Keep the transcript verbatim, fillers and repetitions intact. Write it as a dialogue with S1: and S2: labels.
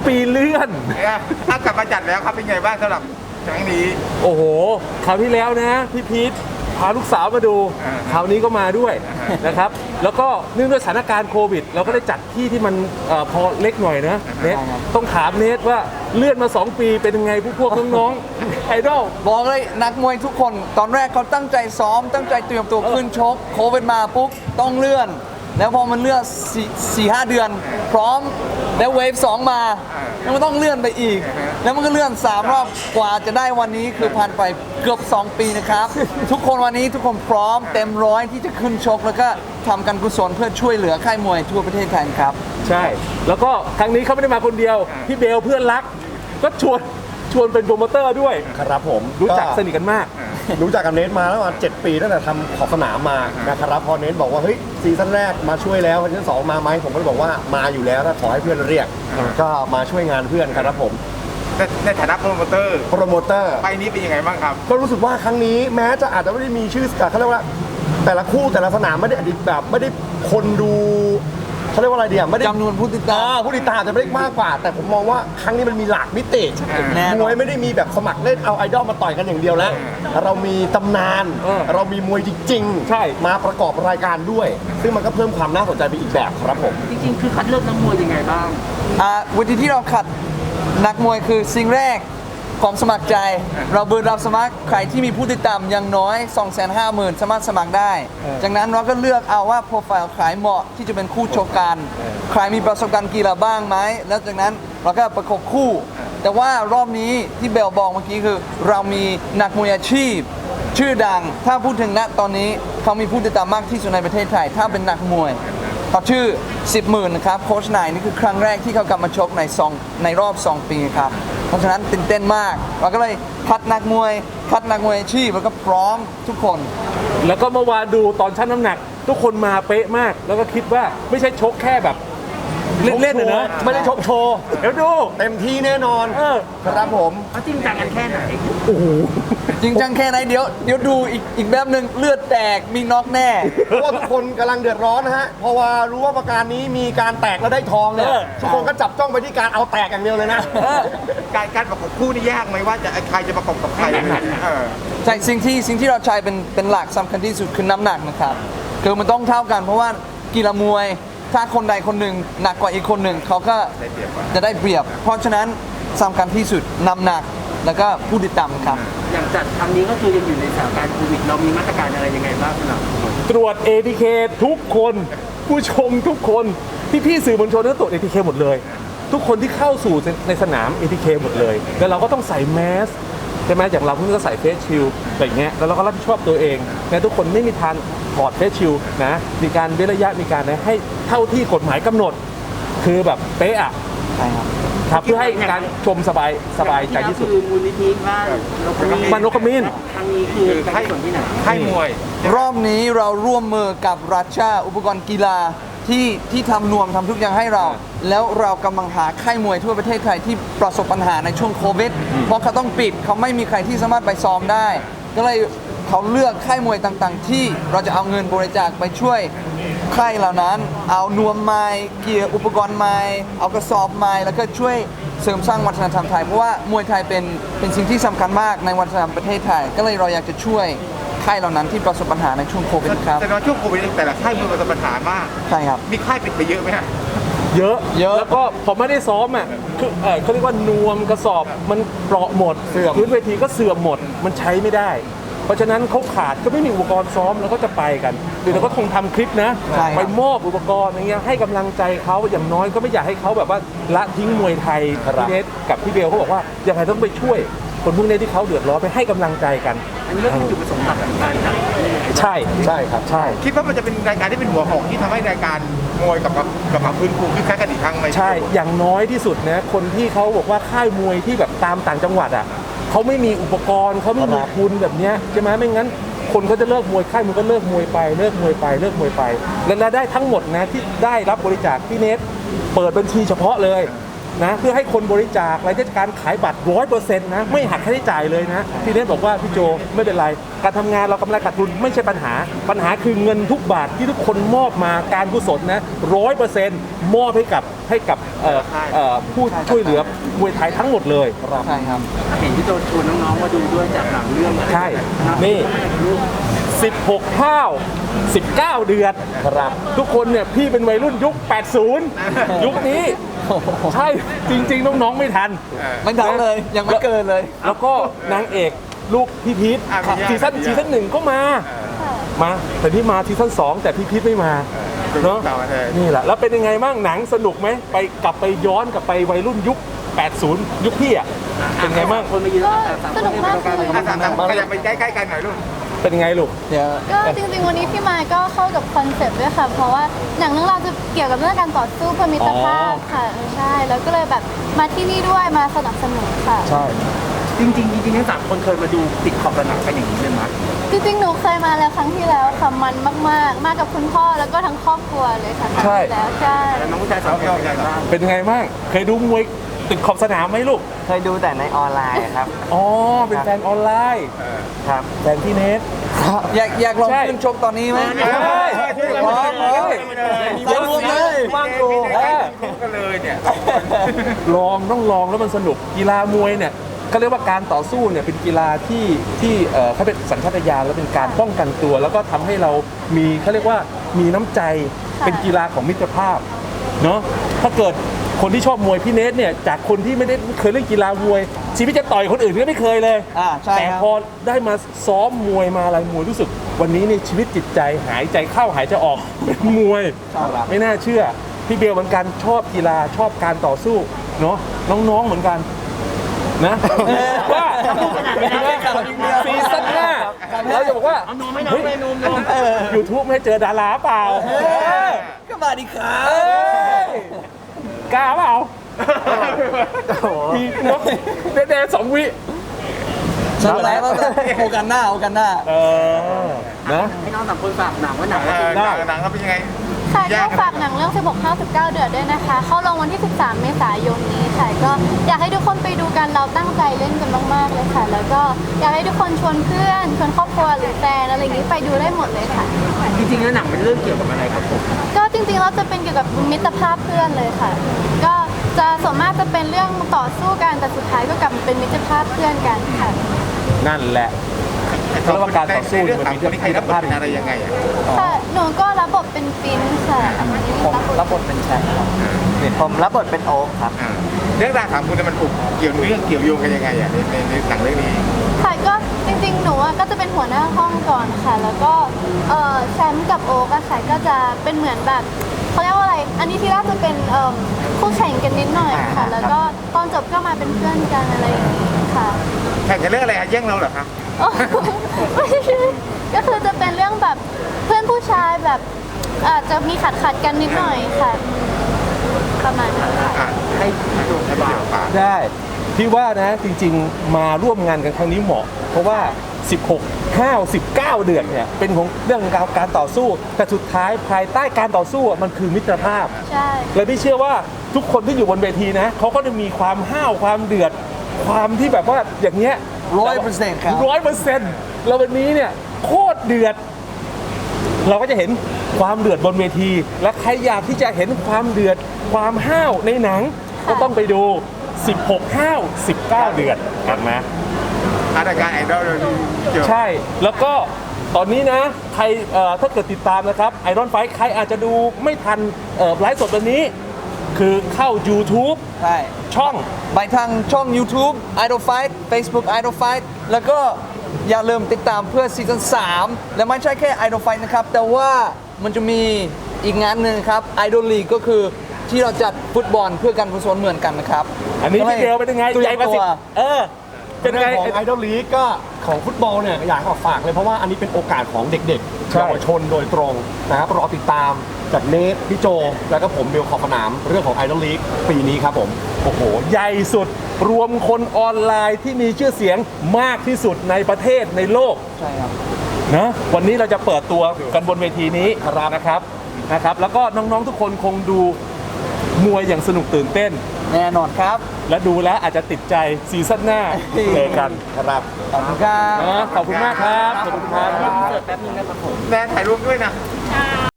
S1: ปีเลื่อน
S2: ถ้ากลับมาจัดแล้วครับเป็นไงบ้างสำหรับครั้งนี้
S1: โอ้โหคราวที่แล้วนะพี่พีทพาลูกสาวมาดูคราวนี้ก็มาด้วยนะครับแล้วก็เนื่องด้วยสถานการณ์โควิดเราก็ได้จัดที่ที่มันเอ่อพอเล็กหน่อยนะเนทต้องถามเนทว่าเลื่อนมาสองปีเป็นยังไงพวกพวกน้องๆไอดอล
S3: บอกเลยนักมวยทุกคนตอนแรกเขาตั้งใจซ้อมตั้งใจเตรียมตัวขึ้นชกโควิดมาปุ๊บต้องเลื่อนแล้วพอมันเลื่อนสี่ห้าเดือนพร้อมแล้วเวฟสองมาแล้วมันต้องเลื่อนไปอีกแล้วมันก็เลื่อนสามรอบกว่าจะได้วันนี้คือผ่านไปเกือบสองปีนะครับทุกคนวันนี้ทุกคนพร้อมเต็มร้อยที่จะขึ้นชกแล้วก็ทำการกุศลเพื่อช่วยเหลือค่ายมวยทั่วประเทศไทยครับ
S1: ใช่แล้วก็ครั้งนี้เขาไม่ได้มาคนเดียวพี่เบลเพื่อนรักก็ชวนชวนเป็นโปรโมเตอร์ด้วย
S4: ครับผม
S1: รู้จักสนิทกันมาก
S4: รู้จักกับเนทมาแล้วมาเจ็ดปีตั้งแต่ทำขอบสนามมานะครับพอเนทบอกว่าเฮ้ยซีซั่นแรกมาช่วยแล้วซีซั่นสองมาไหมผมก็บอกว่ามาอยู่แล้วถ้าขอให้เพื่อนเรียกก็มาช่วยงานเพื่อนครับผม
S2: ในฐานะโปรโมเตอร์
S4: โปรโมเตอร์
S2: ไปนี้เป็นยังไงบ้างครับ
S4: ก็รู้สึกว่าครั้งนี้แม้จะอาจจะไม่ได้มีชื่อเขาเรียกว่าแต่ละคู่แต่ละสนามไม่ได้อดีตแบบไม่ได้คนดูเขาเรียกว่าอะไรเดียวไม่ได้
S3: จำนวนผู้ติดตาม
S4: ผู้ติดตามจะไม่ได้มากกว่าแต่ผมมองว่าครั้งนี้มันมีหลากมิติมวยไม่ได้มีแบบสมัครเล่นเอาไอดอลมาต่อยกันอย่างเดียวแล้วเรามีตำนานเรามีมวยจริงๆมาประกอบรายการด้วยซึ่งมันก็เพิ่มความน่าสนใจไปอีกแบบครับผม
S5: จริงๆคือคัดเลือกนักมวยยังไงบ้าง
S3: อ่าวิธีที่เราคัดนักมวยคือสิ่งแรกความสมัครใจเราเปิดรับสมัครใครที่มีผู้ติดตามอย่างน้อย สองแสนห้าหมื่น สามารถสมัครได้จากนั้นเราก็เลือกเอาว่าโปรไฟล์ใครเหมาะที่จะเป็นคู่ชกกันใครมีประสบการณ์กีฬาบ้างไหมแล้วจากนั้นเราก็ประกบคู่แต่ว่ารอบนี้ที่เบลบอกเมื่อกี้คือเรามีนักมวยอาชีพชื่อดังถ้าพูดถึงณตอนนี้เขามีผู้ติดตามมากที่สุดในประเทศไทยถ้าเป็นนักมวยเขาชื่อสิบหมื่นนะครับโค้ชนายนี่คือครั้งแรกที่เขากลับมาชกในสองในรอบสองปีครับเพราะฉะนั้นตื่นเต้นมากเราก็เลยคัดนักมวยคัดนักมวยอาชีพแล้วก็พร้อมทุกคน
S1: แล้วก็เมื่อวานดูตอนชั่งน้ำหนักทุกคนมาเป๊ะมากแล้วก็คิดว่าไม่ใช่ชกแค่แบบเล่นๆนะไม่ได้ชกโชว์เดี๋ยวดู
S4: เต็มที่แน่นอนครับผม
S5: เขาจริงจังกันแค่ไหน
S1: โอ้โห
S3: จริงจังแค่ไหนเดี๋ยวเดี๋ยวดูอีกอีกแบบหนึ่งเลือดแตกมีน็อกแน่
S4: เพราะว่าทุกคนกำลังเดือดร้อนนะฮะเพราะว่ารู้ว่าประการนี้มีการแตกแล้วได้ทองเนี่ยทุกคนก็จับจ้องไปที่การเอาแตกอย่างเดียวเลยนะ
S2: การการประกบคู่นี่ยากไหมว่าจะใครจะประกบกับใคร
S3: ใช่สิ่งที่สิ่งที่เราใช้เป็นเป็นหลักสำคัญที่สุดคือน้ำหนักนะครับคือมันต้องเท่ากันเพราะว่ากีฬามวยถ้าคนใดคนหนึ่งหนักกว่าอีกคนหนึ่งเขาก็จะได้เปรียบเพราะฉะนั้นสำคัญที่สุดน้ำหนักแล้วก็ผู้ติดตามครับ
S5: อย่างจัดครั้งนี้ก็คือยังอยู่ในสถานการณ์โควิดเรามีมาตรการอะไรยังไงบ้างครับ
S1: ตรวจ เอ ที เค ทุกคนผู้ชมทุกคนพี่พี่สื่อมวลชนต้องตรวจ เอ ที เค หมดเลยทุกคนที่เข้าสู่ในสนาม เอ ที เค หมดเลยแล้วเราก็ต้องใส่แมสใช่ไหมอย่างเราเพิ่งจะใส่เฟสชิลด์อะไรเงี้ยแล้วเราก็รับผิดชอบตัวเองนะทุกคนไม่มีทางถอดเฟสชิลด์นะมีการเว้นระยะมีการให้เท่าที่กฎหมายกำหนดคือแบบเป๊ะอ่ะ
S3: ใช่ครับ
S1: ครับเพื่อให้การชมสบายสบายใจที่สุด
S5: คือมูลนิธิบ้าน
S1: บ้านนกขมิ้น
S5: ครั้งนี้คือให้ส่วนที่ไหน
S2: ให้มวย
S3: รอบนี้เราร่วมมือกับรัชชาอุปกรณ์กีฬาที่ที่ทำนวมทำทุกอย่างให้เราแล้วเรากำลังหาค่ายมวยทั่วประเทศไทยที่ประสบปัญหาในช่วงโควิดเพราะเขาต้องปิดเขาไม่มีใครที่สามารถไปซ้อมได้ก็เลยเขาเลือกค่ายมวยต่างๆที่เราจะเอาเงินบริจาคไปช่วยค่ายเหล่านั้นเอานวมไม้เกียร์อุปกรณ์ไม้เอากระสอบไม้แล้วก็ช่วยเสริมสร้างวัฒนธรรมไทยเพราะว่ามวยไทยเป็นเป็นสิ่งที่สำคัญมากในวัฒนธรรมประเทศไทยก็เลยเราอยากจะช่วยค่ายเหล่านั้นที่ประสบปัญหาในช่วงโควิดครับ
S2: แต่ในช่วงโควิดแต่ละค่ายมวยประสบปัญหามาก
S3: ใช่ครับ
S2: มีค่ายปิดไปเยอะไหมฮะ
S1: เยอะ
S3: เยอะ
S1: แล้วก็ผมไม่ได้ซ้อมอ่ะคือเขาเรียกว่านวมกระสอบมันเปราะหมด
S3: เสื่อม
S1: พื้นเวทีก็เสื่อมหมดมันใช้ไม่ได้เพราะฉะนั้นเขาขาดก็ไม่มีอุปกรณ์ซ้อมแล้วก็จะไปกันหรือเราก็คงทำคลิปนะไปมอบอุปกรณ์อย่างเงี้ยให้กำลังใจเขาอย่างน้อยก็ไม่อยากให้เขาแบบว่าละทิ้งมวยไทยพี่เนทกับพี่เบลเขาบอกว่ายังไงต้องไปช่วยคนพวกนี้ที่เขาเดือดร้อนไปให้กำลังใจกัน
S5: อันนี้ก็คือจุดประสงค์หลักของการจัด
S1: ใช่ใช่ครับใช่
S2: คิดว่ามันจะเป็นรายการที่เป็นหัวหอกที่ทำให้รายการมวยกับกับกับพื้นฟูคึกคักกันอีกครั้งไหม
S1: ใช่อย่างน้อยที่สุดนะคนที่เขาบอกว่าค่ายมวยที่แบบตามต่างจังหวัดอ่ะเขาไม่มีอุปกรณ์เขาไม่มีทุนแบบนี้ใช่ไหมไม่งั้นคนเขาจะเลิกมวยค่ายมันก็เลิกมวยไปเลิกมวยไปเลิกมวยไปและได้ทั้งหมดนะที่ได้รับบริจาคพี่เนทเปิดบัญชีเฉพาะเลยนะเพื่อให้คนบริจาครายได้การขายบัตรร้อยเปอร์เซ็นต์นะไม่หักค่าใช้จ่ายเลยนะพี่เนทบอกว่าพี่โจไม่เป็นไรการทำงานเรากำไรขาดทุนไม่ใช่ปัญหาปัญหาคือเงินทุกบาทที่ทุกคนมอบมาการกุศลนะร้อยเปอร์เซ็นต์มอบให้กับให้กับเอ่อเอ่อผู้ช่วยเหลือมวยไทยทั้งหมดเลย
S3: ใช่ครับ
S5: เห็นพี่โจชวนน้องๆมาดูด้วยจากหลังเรื่อง
S1: ใช่นี่ สิบหกข้าวสิบเก้า เดือนครับทุกคนเนี่ยพี่เป็นวัยรุ่นยุค แปดสิบ ยุคนี้ ใช่จริง ๆ น้อง ๆ ไม่ทัน
S3: ไม่ทันเลยยังไม่เกินเลย
S1: แล้วก็นางเอกลูกพี่พีท
S2: อ่ะพี่
S1: ซีซั่น
S2: พี่
S1: ซีซั่นหนึ่งก็มา มา แต่ที่มาซีซั่นสองแต่พี่พีทไม่มาเนาะ
S2: ต่างประเทศ
S1: นี่แหละ แล้วเป็นยังไงบ้างหนังสนุกไหมไปกลับไปย้อนกลับไปวัยรุ่นยุค แปดสิบ ยุคพี่อ่ะเป็นไงบ้าง
S5: คนมายืน
S6: ก็
S5: สาม
S6: ส
S5: คน
S6: นุก
S5: ให้
S6: มาก
S5: ตรงกลาง
S6: เล
S5: เลย ย
S2: อ่ะสามสามขยับไปใกล้ๆกันหน่อยลูก
S1: เป็นยังไงลูก
S3: เดี๋ยว
S6: ก็จริงๆวันนี้พี่มายก็เข้ากับคอนเซ็ปต์ด้วยค่ะ เพราะว่าหนังเรื่องราวจะเกี่ยวกับเรื่องการต่อสู้เพื่อมิตรภาพค่ะเออใช่ แล้วก็เลยแบบมาที่นี่ด้วยมาสนับสนุนค่ะ
S1: ใช่
S5: จริงๆจริงๆทั้งสามคนเคยมาดูติดขอบสนามกันอย่างนี้เลยมั้ย
S6: จริงๆหนูเคยมาแล้วครั้งที่แล้วค่ะมันมากๆ มากับคุณพ่อแล้วก็ทั้งครอบครัวเลยค่ะครั้งที่แล้วใช่
S5: แล้วน้องผู้ชายสองคนเป็นไงบ้าง
S1: เป็นยังไงบ้างเคยดูมวยตึกขอบสนามไหมลูก
S7: เคยดูแต่ในออนไลน์ครับ
S1: อ๋อ เป็นแฟนออนไลน์
S7: ครับ
S1: แฟนพี่เนท
S3: อยากอยากลอง
S1: ใช่
S3: ขึ้นชกตอนนี้ไหม
S1: ใช่
S3: พร้อมเลย
S1: ใส่รวมเลยฟังดูเออ
S2: กันเลยเนี่ย
S1: ลองต้องลองแล้วมันสนุกกีฬามวยเนี่ยก็เรียกว่าการต่อสู้เนี่ยเป็นกีฬาที่ที่เอ่อเขาเป็นสัญชาตญาณแล้วเป็นการป้องกันตัว แล้วก็ทำให้เรามีเขาเรียกว่ามีน้ำใจ
S6: ค่ะ
S1: เป็นกีฬาของมิตรภาพเนาะถ้าเกิดคนที่ชอบมวยพี่เนทเนี่ยจากคนที่ไม่ได้เคยเล่นกีฬามวย ชีวิตจะต่อยคนอื่นก็ไม่เคยเลย
S3: อ่าใช่
S1: แต่
S3: ครับ
S1: พอได้มาซ้อมมวยมาอะไรมวยรู้สึก วันนี้เนี่ยชีวิตจิตใจหายใจเข้าหายใจออกเป็นมวย ไม่น่าเชื่อ พี่เบลเหมือนกันชอบกีฬาชอบการต่อสู้เนาะน้องๆเหมือนกันนะว่าซีซั่นหน้าเราจะบอกว่าเฮ้ยยูทูบไม่ให้เจอดาราเปล่า
S3: ก็มาดีครับ
S1: เอ้ยกล้าเปล่ามีนกแดงๆสองวิ
S3: ใช่แล้วโอกันหน้าโอกันหน้า
S1: เออนะ
S5: ให้น้องสามคนฝากหนังว่าหนัง
S2: เอ
S5: ว่า
S2: อหนังหนังเขาเป็นยังไง
S6: ค่ะก็ฝากหนังเรื่อง สิบหก ข้าว สิบเก้า เดือดด้วยนะคะ เข้าลงวันที่ สิบสาม เมษายนนี้ค่ะ ก็อยากให้ทุกคนไปดูกัน เราตั้งใจเล่นกันมากๆเลยค่ะ แล้วก็อยากให้ทุกคนชวนเพื่อน ชวนครอบครัวหรือแฟนอะไรอย่างนี้ไปดูได้หมดเลยค่ะ
S5: จริงๆแล้วหนังเป็นเรื่องเกี่ยวกับอะไรครับผม
S6: ก็จริงๆเราจะเป็นเกี่ยวกับมิตรภาพเพื่อนเลยค่ะ ก็จะส่วนมากจะเป็นเรื่องต่อสู้กัน แต่สุดท้ายก็กลับมาเป็นมิตรภาพเพื่อนกันค่ะ
S1: นั่นแหละเขาเรียกว่าการต่อสู้
S2: ในเรื่อง
S1: มัน
S2: สาม
S1: มี
S2: คนนี้ใครรับบทเป็นอะไรยังไงอ่ะ
S6: ค่ะ หนูก็รับบทเป็นฟินค่ะ
S7: ผมรับบทเป็นแชมป์ครับผมรับบทเป็นโอ๊คครับ
S2: อ่าเรื่องราวสามคนเนี่ยมันผูกเกี่ยวเรื่องเกี่ยวโยงกันยังไงอ่ะในในในหนังเรื่องนี้
S6: ค่ะก็จริงๆ หนูอะก็จะเป็นหัวหน้าห้องก่อนค่ะ แล้วก็เอ่อแชมป์กับโอ๊กอะค่ะก็จะเป็นเหมือนแบบเขาเรียกว่าอะไร อันนี้ที่แรกจะเป็นเอ่อคู่แข่งกันนิดหน่อยค่ะ แล้วก็ตอนจบก็มาเป็นเพื่อนกันอะไรอย่างนี้ค่ะ
S2: แข่งกันเรื่องอะไรฮะแย่งเราเหรอคะ
S6: โอ้ไม่ใช่ก็คือจะเป็นเรื่องแบบเพื่อนผู้ชายแบบอาจจะมีขัดขัดๆกันนิดหน่อยค่ะ ประมาณนั้นค่ะ
S2: อ่ะให้ให้ดูให้เดี๋ยวฝาก
S1: ได้พี่ว่านะจริงๆมาร่วมงานกันครั้งนี้เหมาะ เพราะว่า สิบหก ห้าว สิบเก้า เดือนเนี่ยเป็นของเรื่องการการต่อสู้ แต่สุดท้ายภายใต้การต่อสู้อะมันคือมิตรภาพ
S6: ใช่
S1: เลยพี่เชื่อว่าทุกคนที่อยู่บนเวทีนะเขาก็จะมีความห้าวความเดือด ความที่แบบว่าอย่างเงี้ย
S3: ร้อยเปอร์เซ็นต์ครับ
S1: ร้อยเปอร์เซ็นต์แล้ววันนี้เนี่ยโคตรเดือด เราก็จะเห็นความเดือดบนเวที และใครอยากที่จะเห็นความเดือด ความห้าวในหนัง ก็ต้องไปดู สิบหก ห้าว สิบเก้า เดือดกันนะ
S2: รายการไอดอลเลยเกี่ยว
S1: ใช่ แล้วก็ตอนนี้นะ ใครเอ่อถ้าเกิดติดตามนะครับไอรอนไฟใครอาจจะดูไม่ทันเอ่อไลฟ์สดวันนี้ คือเข้า YouTube
S3: ใช่
S1: ช่อง
S3: ไปทางช่อง YouTube Idol Fight Facebook Idol Fight แล้วก็อย่าลืมติดตามเพื่อซีซั่นสามและไม่ใช่แค่ Idol Fight นะครับ แต่ว่ามันจะมีอีกงานหนึ่งครับ Idol League ก็คือที่เราจัดฟุตบอลเพื่อการกุศลเหมือนกันนะครับ
S1: อันนี้พี่เบลเป็นยังไง
S3: ตัว
S1: ใหญ่กว่าสิ
S3: ตัว
S1: เออ เป็นไง
S4: เรื่องของไอดอลลีกก็ของฟุตบอลเนี่ยอยากขอฝากเลยเพราะว่าอันนี้เป็นโอกาสของเด็กๆ
S1: ใช่
S4: เยาวชนโดยตรงนะครับรอติดตามจากเนทพี่โจ แล้วก็ผมเบลขอบสนามเรื่องของไอดอลลีกปีนี้ครับผม
S1: โอ้โห ใหญ่สุดรวมคนออนไลน์ที่มีชื่อเสียงมากที่สุดในประเทศในโลก
S3: ใช่ครับ
S1: นะวันนี้เราจะเปิดตัวกันบนเวทีนี้นะครับนะครับ แล้วก็น้องๆทุกคนคงดูมวยอย่างสนุกตื่นเต้น
S3: แน่นอนครับ
S1: และดูแล้วอาจจะติดใจซีซั่นหน้าเจอกันครับ
S3: ขอบคุณครับ
S1: นะขอบคุณมากครับ ขอบคุณครับ
S5: เปิดแป๊บนึงนะครับผม
S2: แนนถ่ายรูปด้วยนะ